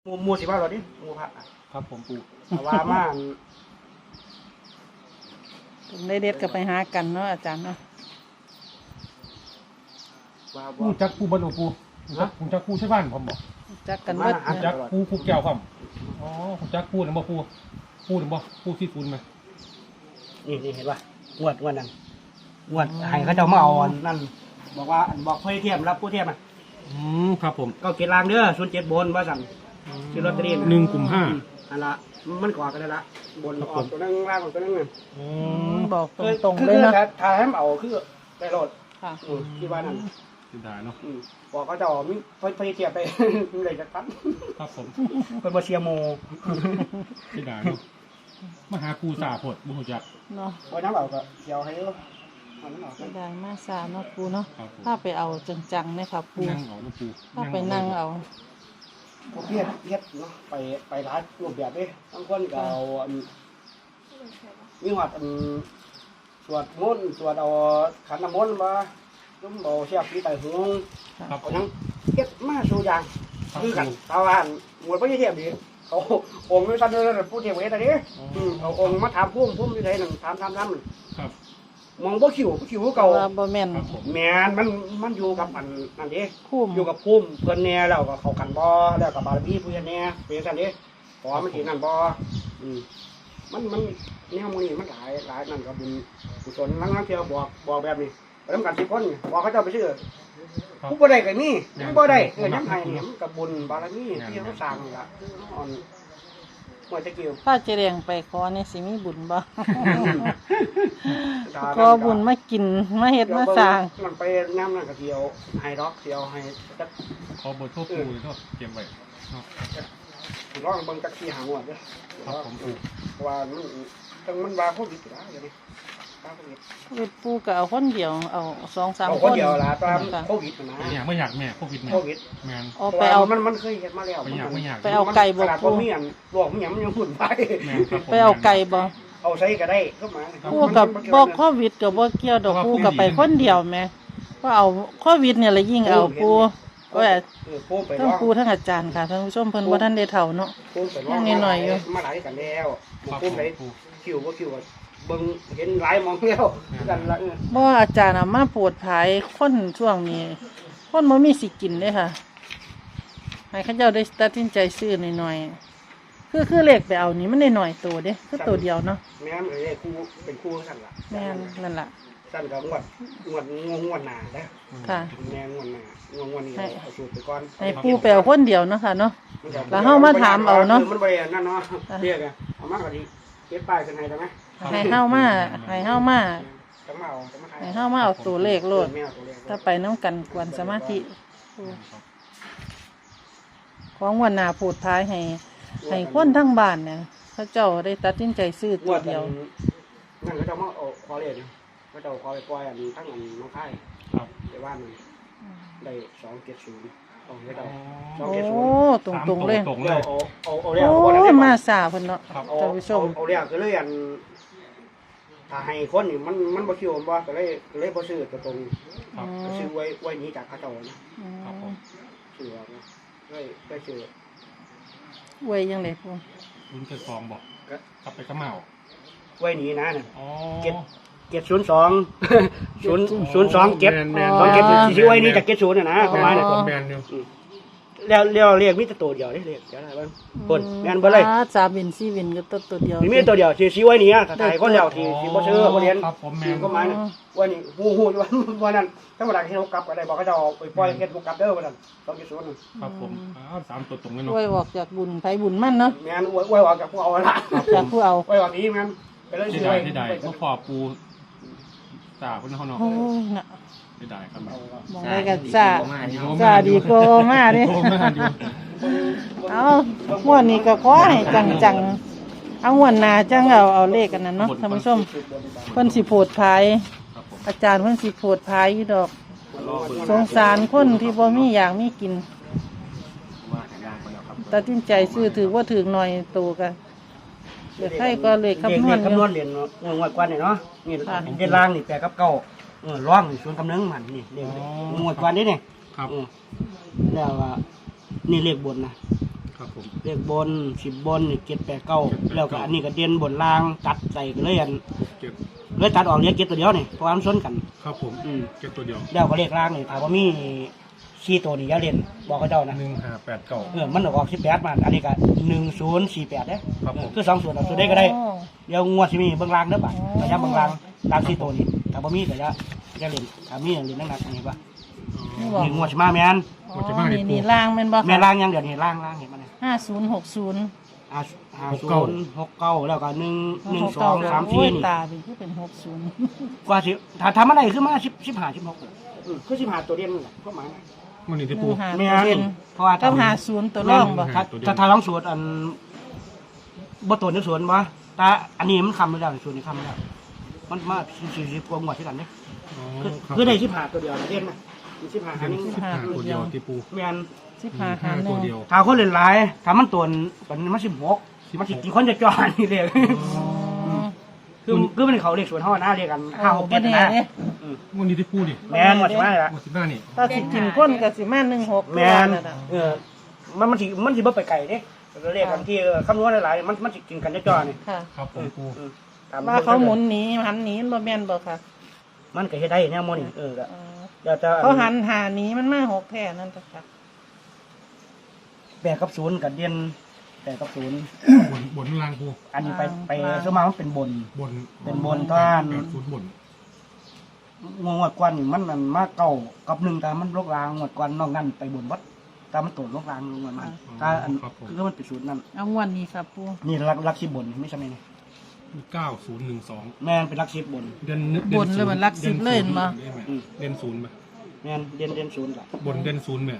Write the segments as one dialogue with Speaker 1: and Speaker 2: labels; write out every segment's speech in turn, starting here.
Speaker 1: หมู่สิว่าเราดิหมู่พระ
Speaker 2: ครับผมปู่
Speaker 1: แต่ว่ามา
Speaker 3: ได้เด็ดก็ไปหากันเนาะอาจารย์เนาะ
Speaker 1: ว่า
Speaker 2: ปู่จักปู่บรรลุปู่ผมจักปู่ใช่บ้านผมบอก
Speaker 3: จักกันเบิด
Speaker 2: ผมจักปู่แก้วครับอ๋อผมจักปู่นะบ่ปู่นะบ่ปู่ซีฟู้ดไหม
Speaker 1: นี่เห็นป่ะงวดนั้นงวดให้เขาเจ้ามาเอานั่นบอกว่าบอกเพื่อเทียมรับผู้เทียมอ่ะ
Speaker 2: ครับผม
Speaker 1: ก็เกลางเด้อ07 บนว่าสั่นซื้อลอตเตอรี่
Speaker 2: 1 กุมภาพันธ์
Speaker 1: อันละมันก่อกันได้ละบนออกตัวนั้นล่างตัวนั้น
Speaker 3: บอกตรงๆเลยเนาะ
Speaker 1: ถ้าให้เอาคือได้รถ
Speaker 3: ค่ะ
Speaker 1: ที่ว่านั่น
Speaker 2: สุดท้ายเนาะ
Speaker 1: บอกเขาจะเอามีเพื่อเทียมไปเลยจะตัด
Speaker 2: ครับผม
Speaker 1: เป็นมาเชียโม
Speaker 2: สุดท้ายเนาะมาหาครูสาพดบุญจัก
Speaker 3: เนาะ
Speaker 1: วันนั้นเอาก็เดี๋ยวให้
Speaker 3: ได้มาสาเนาะปูเนาะถ้าไปเอาจังๆนะครับปู
Speaker 2: นั่งเอานะปู
Speaker 3: ถ้าไปนั่งเอา
Speaker 1: เพียรเนาะไปร้านรูปแบบนี้บางคนก็เอามีหัดสวดมนต์สวดเอาขันน้ำมนต์มาจุ่มเอาเสียบที่ไต่หงเอาทั้งเฮ็ดมาสู่อย่างคือกันชาวบ้านหมวดพระเทียบดีเขาองค์ไม่สั้นเลยผู้เทียบเวทอะไรนี้เอาองค์มาถามพุ่มอยู่ไหนหนึ่งถาม
Speaker 2: ครับ
Speaker 1: มองบ่ขิวเก่า
Speaker 3: บ่แม่น
Speaker 1: แม่นมันอยู่กับอันนั่นดิอยู่กับพุ่มเพื่อนแน่แล้วก็เขากันบ่แล้วกับบารมีเพื่อนแน่เป็นสั่นดิขอมันสินั่นบ่มันแนวมื้อนี้มันหลายนั่นก็บุญกุศลลังเที่ยวบอกแบบนี้ไปทำกัน10 คนบอกเขาเจ้าไปซื้อผู้บ่ได้ก็มีผู้บ่ได้ยังให้นี่มันก็บุญบารมีที่เขาสร้างนี่ล่ะอ่อนหมดตะกี้
Speaker 3: ถ้าเจริญไปขอนี่สิมีบุญบ่ขอบุญมากินมาเฮ็ดมาสร้าง
Speaker 1: มันไปน้ำนั่นก็เที่ยวให้ดอกเที่ยวให้จัก
Speaker 2: ขอเบอร์โทรปู่เนาะเก็บไว้เนาะ
Speaker 1: ลองเบิ่งจัก4-5 งวดเด้อ
Speaker 2: ครับผม
Speaker 1: ว่ามันว่าโควิดล่ะอย่างนี้
Speaker 3: โควิดปู่ก็เอาคนเดียวเอา2-3
Speaker 1: คนเดียวล่ะตามโควิดนะ
Speaker 2: ไม่อยากแม่โควิดแม่
Speaker 1: อ๋อไปเอามันเคยเฮ็ดมาแล้ว
Speaker 3: ไปเอาไก่บ่
Speaker 1: ปู่มีอันลวกมีหยังมันยังหุ่นไป
Speaker 3: ไปเอาไก่บ่
Speaker 1: เอาใส่ก็ได้เข้ามา
Speaker 3: ปู่กับบ่โควิดก็บ่เกี่ยวดอกปู่ก็ไปคนเดียวแม่ก็เอาโควิดเนี่ยละยิ่งเอาปู่ก็ทั้งปู่ทั้งอาจารย์ค่ะท่านผู้ชมเพิ่นบ่ทันได้เฒ่าเนาะยังน้อยๆอยู่
Speaker 1: มาหลายกันแล้วปู่ไปคิวบ่คิวเบิ่งเห็นหลายมองแล้วกันละ
Speaker 3: บ่อาจารย์มาโปรดภายคนช่วงนี้คนบ่มีสิกินเด้ค่ะให้เขาเจ้าได้ตัดสินใจซื้อหน่อยๆคือเลขไปเอานี่มันได้หน่อยตัวเด้คือตัวเดียวเนาะ
Speaker 1: แม่นเอ้ยครูเป็นครูซั่นล่ะ
Speaker 3: แม่นนั่นล่ะ
Speaker 1: ซั่นก็งวดหน้าเด้อ
Speaker 3: ค่ะ
Speaker 1: แม่งวดหน้างวดนี้เอาสูตรไปก่อน
Speaker 3: ให้ปู่ไปเอาคนเดียวเนาะค่ะเนาะแล้วเฮามาถามเอาเนาะ
Speaker 1: มันบ่ได้นั่นเนาะเรียกเอามาก็ดีเก็บป้ายขึ้นให้ได้มั้ย
Speaker 3: ให้เฮามาให้เฮามาเอาตัวเลขโลดถ้าไปนำกันกวนสมาธิของวันหน้าพูดท้ายให้คนทั้งบ้านเนี่ยเขาเจ้าได้ตัดสินใจซื้อตัวเดียว
Speaker 1: นั่นเขาเจ้ามาเอาขอเลขเขาเจ้าขอไปปล่อยอันทั้งอันน้องไข่
Speaker 2: ครับ
Speaker 1: ไปว่ามันได้270ต้องให้เจ้า
Speaker 3: โอ้ตรงๆเลย
Speaker 1: เอาแล้ว
Speaker 3: โอ้มาสาเพิ่นเนาะท่านผู้ชม
Speaker 1: เอาแล้วก็เลยอันถ้าให้คนนี่มันบ่คิวบ่ก็เลยบ่ซื้อตัวตรงก็ซื้อไว้นี้จากเขาเจ้านะครับผมซื้อนะได้ซื้อ
Speaker 3: ไว้ยังได๋พุ่น
Speaker 2: รุ่นเจ็ด2บอกกลับไปกระเหมา
Speaker 1: ไว้นี้นะน่ะ
Speaker 2: อ๋อ
Speaker 1: 702 027สิไว้นี้จาก70น่ะนะประมาณนั้น
Speaker 2: แม่นอยู่
Speaker 1: แล้วเรียกมีแต่ตัวเดียวเด้เรียกเดี๋ยวอะไรบ้างคนแม่นบ่เลย
Speaker 3: 3วิน4วินก็ตัวเดียว
Speaker 1: มีตัวเดียวสิไว้นี้ถ้าถ่ายคนเดียวที่บ่ซื้อบ่เรียน
Speaker 2: ครับผมแม่น
Speaker 1: ก็หมายน่ะว่านี่ฮู้อยู่ว่านั้นธรรมดาที่เฮากลับก็ได้บอกเขาจะเอาไปปล่อยเฮ็ดบ่กลับเด้อว่านั้น270นั่น
Speaker 2: ครับผม3ตัวตรงเลยเนาะ
Speaker 3: ไว้ออกจากบุญไผบุญมั่นเนาะ
Speaker 1: แม่นไว้ออกจากผู้เอาละ
Speaker 3: จากผู้เอา
Speaker 1: ไว้ออกนี้แม่นไปเลย
Speaker 2: ที่ใดบ่พอปูตาเพิ่นเฮาเนาะ
Speaker 3: โอ้ยน่ะ
Speaker 2: ได้ครับ
Speaker 3: มองได้กันซาดีกว่ามาเด้เอางวดนี้ก็ขอให้จังๆเอางวดหน้าจังเอาเลขกันนั้นเนาะท่านผู้ชมเพิ่นสิโพดภายอาจารย์เพิ่นสิโพดภายอยู่ดอกสงสารคนที่บ่มีอยากมีกินตัดสินใจซื้อถือว่าถือหน่อยโตกันเดี๋ยวใครก็เลขคำนวณ
Speaker 1: เรียนงวดกว่านี่เนาะนี่เฮ็ดล่างนี่8 กับ 9ร้องส่วนกำเนิดมันนี่เรียกงวดกว่านี้นี่
Speaker 2: ครับ
Speaker 1: แล้วว่านี่เลขบนนะ
Speaker 2: ครับผม
Speaker 1: เลขบน10บนนี่7 8 9แล้วก็อันนี้ก็เด่นบนล่างตัดใส่กันเลยอัน
Speaker 2: เก็บ
Speaker 1: เลยตัดออกเหลือ7ตัวเดียวนี่เพราะว่ามันซ้นกัน
Speaker 2: ครับผมเก็บตัวเดียว
Speaker 1: แล้วก็เลขล่างนี่ถามว่ามี4ตัวนี่อย่าเล่นบอกเขาเจ้านะ
Speaker 2: 1589
Speaker 1: มันออก18มาอันนี้ก็1048เด้
Speaker 2: ครับผม
Speaker 1: คือ2ส่วนเอาส่วนได้ก็ได้เดี๋ยวงวดสิมีเบิ่งล่างเด้อบัดระยะเบิ่งล่างตาม4ตัวนี่ถ้าบ่มีก็อย่าเล่นถ้ามีเล่นหนักๆนี่ว่า
Speaker 3: นี่บอก
Speaker 1: นี่งวดสิมาแม่น
Speaker 3: อ๋อนี่ล่างแม่นบ่
Speaker 1: แม่ล่างยังเดี๋ยวนี้ล่างเห็นมั้ย
Speaker 3: 5060
Speaker 1: 5069แล้วก็1 2 3
Speaker 3: โอ้ย
Speaker 1: 4นี่
Speaker 3: ตาเป็นคือเป็น60
Speaker 1: กว่าสิถ้าทำอะไรขึ้นมา15 16คือ15ตัวเดียวนั่นแหละก็หมาย
Speaker 2: มันนี่ที่ปู
Speaker 3: หา
Speaker 1: แม่
Speaker 3: เด่น
Speaker 1: เพราะว่า
Speaker 3: กับ50ตัวรองบ่
Speaker 1: ถ้าลองสูตรอันบ่ตัวนึกสวนบ่แต่อันนี้มันคำไม่ได้สูตรนี้คำไม่ได้มันมา40กว่าหมวดที่กันเด้คือได้15ตัวเดียวเด่นนะ15อันนี้
Speaker 2: ตัวเดียวที่ปู
Speaker 1: แม่น
Speaker 3: 15หาร
Speaker 2: ตัว
Speaker 3: 1
Speaker 2: เดียว
Speaker 1: ถ้าคนเล่นหลายถ้ามันตัวมัน16มันสิกี่คนจะจอดนี่เด้ คือมันเขาเรียกสวนเฮานะเรียกกัน5 6 7นะ
Speaker 2: มันนี่ที่ปูดิ
Speaker 1: แม่นหมดใช่ไหมล่ะ
Speaker 2: หมด15นี่
Speaker 3: ถ้าสิกินก้นก็สิมา16
Speaker 1: แม่นมันสิบ่ไปไกลเด้เรียกกันที่คำนวณหลายๆมันสิกินกันจ่อๆนี่
Speaker 3: ค่ะ
Speaker 2: ครับผมปู
Speaker 3: ว่าเขาหมุนหนีหันหนีบ่แม่นบ่ค่ะ
Speaker 1: มันก็เฮ็ดได้แนวโมนี่ก็เดี๋ยวจะ
Speaker 3: เขาหันหาหนีมันมา6แท้นั่นจ้ะค่ะ
Speaker 1: 8กับ0กับเด่น8กับ0
Speaker 2: บนล่างปู
Speaker 1: อันนี้ไปสมามันเป็นบน
Speaker 2: บน
Speaker 1: เป็นบนท่าน
Speaker 2: 80บน
Speaker 1: งวดกวนนี่มันนั่นมาเก่ากับ1แต่มันลกลางงวดกวนนอกนั้นไปบนวัดแต่มันตกลกลางลงมาถ้าอันคือมันเป็นศูนย์นั่น
Speaker 3: เอางวดนี้ครับปู่
Speaker 1: นี่ลัก10บนไม่ใช่ไหมนี่
Speaker 2: 9012
Speaker 1: แม่นเป็นลัก10บน
Speaker 3: บนเลยมันรักสิบเลยเห็นบ่
Speaker 2: เด่นศูนย์ไหม
Speaker 1: แม่นเด่น0ล่ะ
Speaker 2: บนเด่นศูนย์ไหม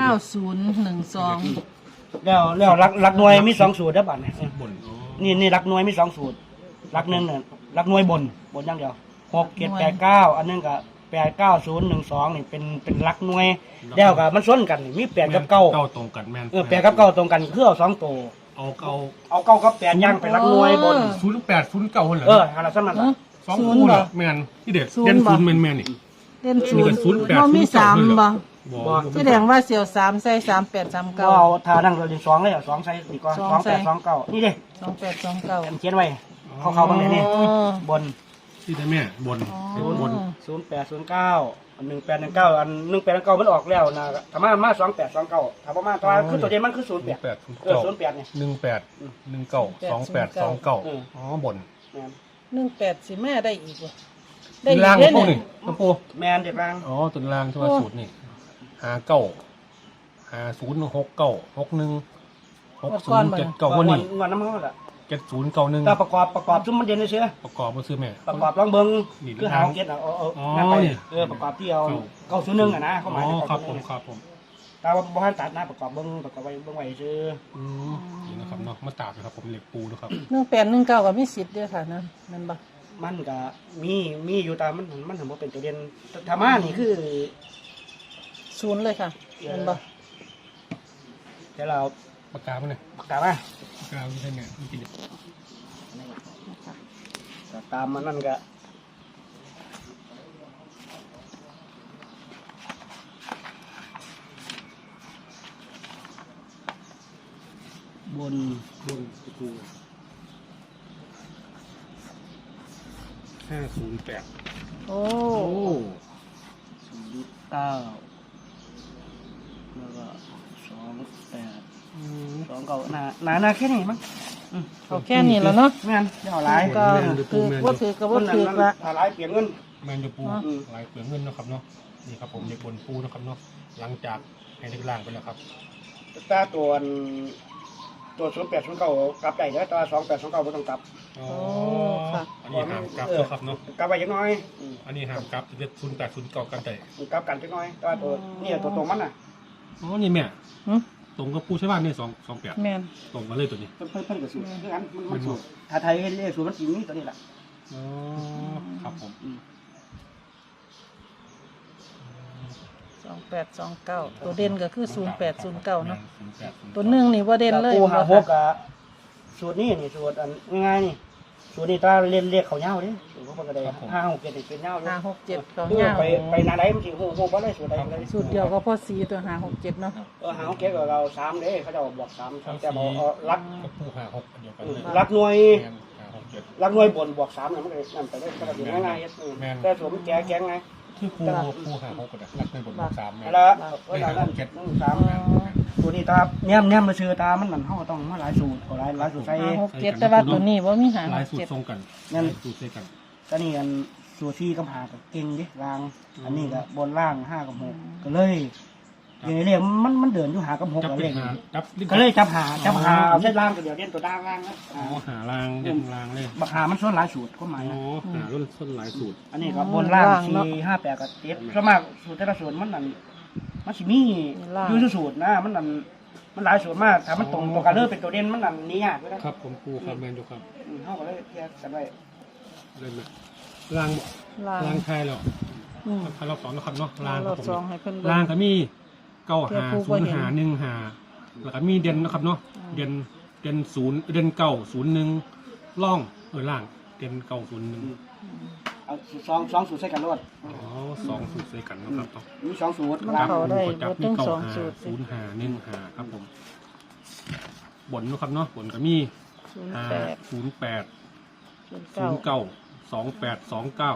Speaker 3: 9012
Speaker 1: แล้วลักหน่วยมี2สูตรเด้อบัดนี่
Speaker 2: บน
Speaker 1: นี่ลักหน่วยมี2สูตรลัก1น่ะลักหน่วยบนอย่างเดียว6 7 8 9อันนึงก็8 9 0 1 2นี่เป็นลักหน่วยแล้วก็มันซ้นกันนี่มี8กับ9
Speaker 2: เก้าตรงกันแม่น
Speaker 1: 8กับ9ตรงกันคือเอา2ตัว
Speaker 2: เอา
Speaker 1: 9กับ8ย่างเป็นลักหน่วยบน
Speaker 2: 08 09เหรอ
Speaker 1: หาละซั่นนั่นล่ะ
Speaker 2: สองคู่น่ะแม่นที่เด็ดเด่นศูนย์แม่นนี่
Speaker 3: เด่น
Speaker 2: นี่ก็
Speaker 3: 0
Speaker 2: 08
Speaker 3: บ่มี3บ่
Speaker 2: บ่
Speaker 3: แสดงว่าเสี่ยว3ใส่38
Speaker 1: ก็
Speaker 3: 39
Speaker 1: เอาทานั่งเรียน2เลยเอา2ใส่ดีกว่า2 8 2 9นี่เด้
Speaker 3: 2829
Speaker 1: เขียนไว้เข้าๆบางนี้บน
Speaker 2: ที่ได้แม่บนบน
Speaker 1: 0809 1819อัน1819มันออกแล้วนะถ้ามา2829ถ้าบ่มาตัวคือตัวเด่นมันคือ08 08นี่
Speaker 2: 18192829อ๋อบน
Speaker 1: แม่น
Speaker 3: 18สิมาได้อีกบ่
Speaker 2: ได้ล่างพวกนี่น้ำปู
Speaker 1: แม่นเด็กล่าง
Speaker 2: อ๋อตัวล่างที่ว่าสูตรนี่506961607079วันนี้
Speaker 1: งวดน้ำมันล่ะ
Speaker 2: 7091
Speaker 1: แต่ประกอบซุมมันเด่นซื่อ
Speaker 2: ประกอบบ่ซื้อแม่
Speaker 1: ประกอบลองเบิ่ง
Speaker 2: นี่
Speaker 1: คือหาเก็ตนั่นไปประกอบที่เอา901อ่ะนะเขาหมาย
Speaker 2: ครับผม
Speaker 1: แต่ว่าบ่ทันตัดนะประกอบเบิ่งไว้เบิ่งไว้ซื่อ
Speaker 2: นี่นะครับเนาะมาตากนะครับผมเหล็กปูนะครับ
Speaker 3: 1819ก็มีสิทธิ์เด้อค่ะนะนั่นบ่
Speaker 1: มันก็มีอยู่แต่มันถึงบ่เป็นตัวเด่นธรรมะนี่คือ
Speaker 3: 0เลยค่ะนั่นบ่
Speaker 1: เดี๋ยวเรา
Speaker 2: ปากกามันเนี่ย
Speaker 1: ปากกามา
Speaker 2: ปากกาไม่ใช่แม่ไม่กิน
Speaker 1: ตามมันนั่นก็บน
Speaker 2: ปู508
Speaker 3: โอ้
Speaker 1: 09แล้วก็28 29นาแค่นี้มั้ง
Speaker 3: เอาแค่นี้แล้วเนาะ
Speaker 1: แม่นเดี๋ยวหลาย
Speaker 3: ก็คือบ่ถือก็บ่ถือละ
Speaker 1: ถ้าหลายเปลี่ยนเงิน
Speaker 2: แมนยูปูลายเปลืองเงินนะครับเนาะนี่ครับผมเด็กบนปูนะครับเนาะหลังจากให้เด็กล่างไปแล้วครับ
Speaker 1: ตาตัว0809กลับได้แล้วตัว2829บ่ต้องกลับ
Speaker 2: อ๋ออันนี้ห้ามกลับนะครับเนาะ
Speaker 1: กลับไปจักหน่อย
Speaker 2: อันนี้ห้ามกลับจะ0809กันแต่
Speaker 1: กลับกันจักหน่อยแต่ว่าตัวนี่ตัวตรงมันน่ะ
Speaker 2: อ๋อนี่แม่
Speaker 3: หึ
Speaker 2: ตรงกับปูใช่ป่ะนี่228
Speaker 3: แม่น
Speaker 2: ตรงกันเลยตัวนี้
Speaker 1: เพิ่นก็สูตรคือกันมันสูตรถ้าไทยเฮ็ดเลขสูตรมันสิมีตัวนี้ล่ะ
Speaker 2: อ๋อครับผม
Speaker 3: 2829ตัวเด่นก็คือ0809เนาะตัวหนึงนี่บ่เด่นเลย
Speaker 1: กู
Speaker 3: บ่
Speaker 1: หาห
Speaker 3: ค่ะ
Speaker 1: กสูตรนี้นี่สูตรอันง่ายๆนี่สูตรนี้ตาเรียกเขาเน่าดิสูตรเขาก็ได้5 6 7เป็นเน่า
Speaker 3: 5 6 7เขา
Speaker 1: คือ
Speaker 3: เงา
Speaker 1: ไปนาไหนมันสิโหบ่ได้สูตรใดเลย
Speaker 3: สูตรเดียวก็พอสีตัว5 6 7เนาะ
Speaker 1: 5 6 7กับเรา3เด้เขาจะบอก3แต่บอกรัก
Speaker 2: กับปูหาหกอันเดียวกันเลย
Speaker 1: รักหน่วย
Speaker 2: แม่นหาหกเจ็ด
Speaker 1: รักหน่วยบนบวก3น่ะมันก็นั่นไปได้ก็ได้ง่ายๆแต่สูตรมันแก่ไง
Speaker 2: คือปูหาหกก็ได้รักในบทบาทสามแม่น
Speaker 1: แล้วนั่น3ตัวนี้ตาแนมมาซื้อตามันนั่นเฮาต้องมาหลายสูตรก็หลายสูตรใส่
Speaker 3: 5 6 7แต่ว่าตัวนี้บ่มี5
Speaker 2: หลายสูต
Speaker 3: 6
Speaker 2: รทรง
Speaker 3: 7
Speaker 2: กันสูตรใส่กัน
Speaker 1: ตอนนี้อันสูตร4กับ5ก็เก่งดิล่างอันนี้ก็บนล่าง5กับ6ก็เลยอย่างนี้มันเดินอยู่5กับ6
Speaker 2: จับ
Speaker 1: ก็
Speaker 2: เป็
Speaker 1: เล
Speaker 2: น
Speaker 1: ย
Speaker 2: หาจับ
Speaker 1: ก็เลยจับหาเอาเส้นล่างตัวเดียวเล่นตัวด้านล่างนะ
Speaker 2: อ๋อหาลางเด่นลางเลย
Speaker 1: บักหามันส่วนหลายสูตรก็หมาย
Speaker 2: อ๋อ
Speaker 1: นะ
Speaker 2: หารุ่นส้นหลายสูตร
Speaker 1: อันนี้ก็บนล่าง4 5 8กับ7ส่วนมากสูตรแต่ละสูตรมันนั่นมันสิมีอยู่สูตรนะมันนั่นมันหลายสูตรมากถ้ามันตรงตัวกันเลยเป็นตัวเด่นมันนั่นนี่ยากเลยนะครับ
Speaker 2: ผมปูครับแมนอยู่ครับ
Speaker 1: เฮาก็เลยแยกกันไว้
Speaker 2: เล่นไหมลางลางไทยแล้วถ้าเราสอนนะครับเนาะลาง
Speaker 3: รอบสองให้เพิ่น
Speaker 2: ลางก็มีเก้าหาศูนย์หาหนึ่งหาแล้วก็มีเด่นนะครับเนาะเด่นศูนย์เด่นเก้าศูนย์หนึ่งล่องล่างเด่นเก้าศูนย์หนึ่ง
Speaker 1: เอา2สูตรใส่กันรวด
Speaker 2: อ๋อสองสูตรใส่กันนะครับ
Speaker 1: มี2สูตร
Speaker 3: มัน
Speaker 1: ล่าง
Speaker 3: เข้าได้
Speaker 2: จับ
Speaker 3: เบิด
Speaker 2: มี
Speaker 3: ทั้ง
Speaker 2: เก้า
Speaker 3: สอง
Speaker 2: หา
Speaker 3: สูตร
Speaker 2: ศูนย์หาหนึ่งหาครับผมบนนะครับเนาะบนก็มีหา
Speaker 3: 08
Speaker 2: 08
Speaker 3: 09
Speaker 2: 08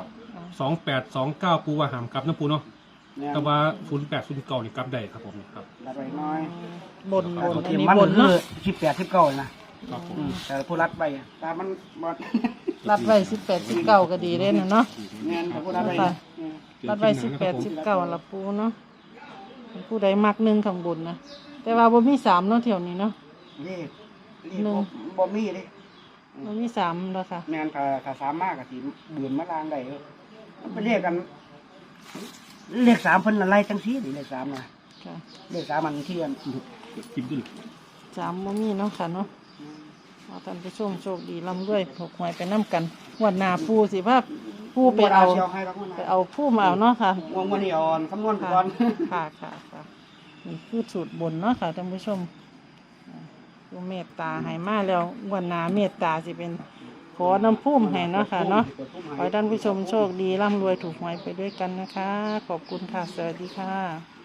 Speaker 2: 2829ปูว่าหามกลับนะปูเนาะแต่ว่า08 09นี่กลับได้ครับผมครับ
Speaker 1: รัดไว้น้อย
Speaker 3: บน
Speaker 1: อั
Speaker 3: อันนี้
Speaker 1: มัน
Speaker 3: บน
Speaker 1: คื
Speaker 3: เนาะ
Speaker 1: อ18 19นะครับ
Speaker 2: ผม
Speaker 1: แต่ผู้รัดไปตามันบ่
Speaker 3: รัดไว้18 19ก็ดีเด้นะเนาะ
Speaker 1: แม่นผู้รัดไป
Speaker 3: รัดไว้18 19ละปูเนาะผู้ใดมัก1ข้างบนนะแต่ว่าบ่มี3เนาะแถวนี้เนาะ
Speaker 1: นี่บ่มีเด้
Speaker 3: บ่มี3แล้วค่ะ
Speaker 1: แม่นถ้าสามมากก็สิเบือนมาลางได้มันเป็นเรียกกันเลข3เพิ่นอะไรจังซี่นี่เลข3น่ะ
Speaker 3: ค่ะ
Speaker 1: เลข3มันที่อัน
Speaker 2: กินด้วย
Speaker 3: 3บ่มีเนาะค่ะเนาะเอาท่านผู้ชมโชคดีร่ำรวยถูกหวยไปนํกันงวดหน้าปูสิพาปูไปเอา
Speaker 1: ให้รักมัน
Speaker 3: ไปเอาผู้มาเอาเนาะค่ะ
Speaker 1: งวดนี้อ่อนคำนวณ
Speaker 3: ค่ะ
Speaker 1: ก่อน
Speaker 3: ค่ะค่ะนี่คือสูตรบนเนาะค่ะท่านผู้ชมผู้เมตตาให้มาแล้วงวันหนาเมตตาสิเป็นขอน้ำพุ่มให้เนาะค่ะเนาะขอให้ท่านผู้ชมโชคดีร่ำรวยถูกหวยไปด้วยกันนะคะ ขอบคุณค่ะ สวัสดีค่ะ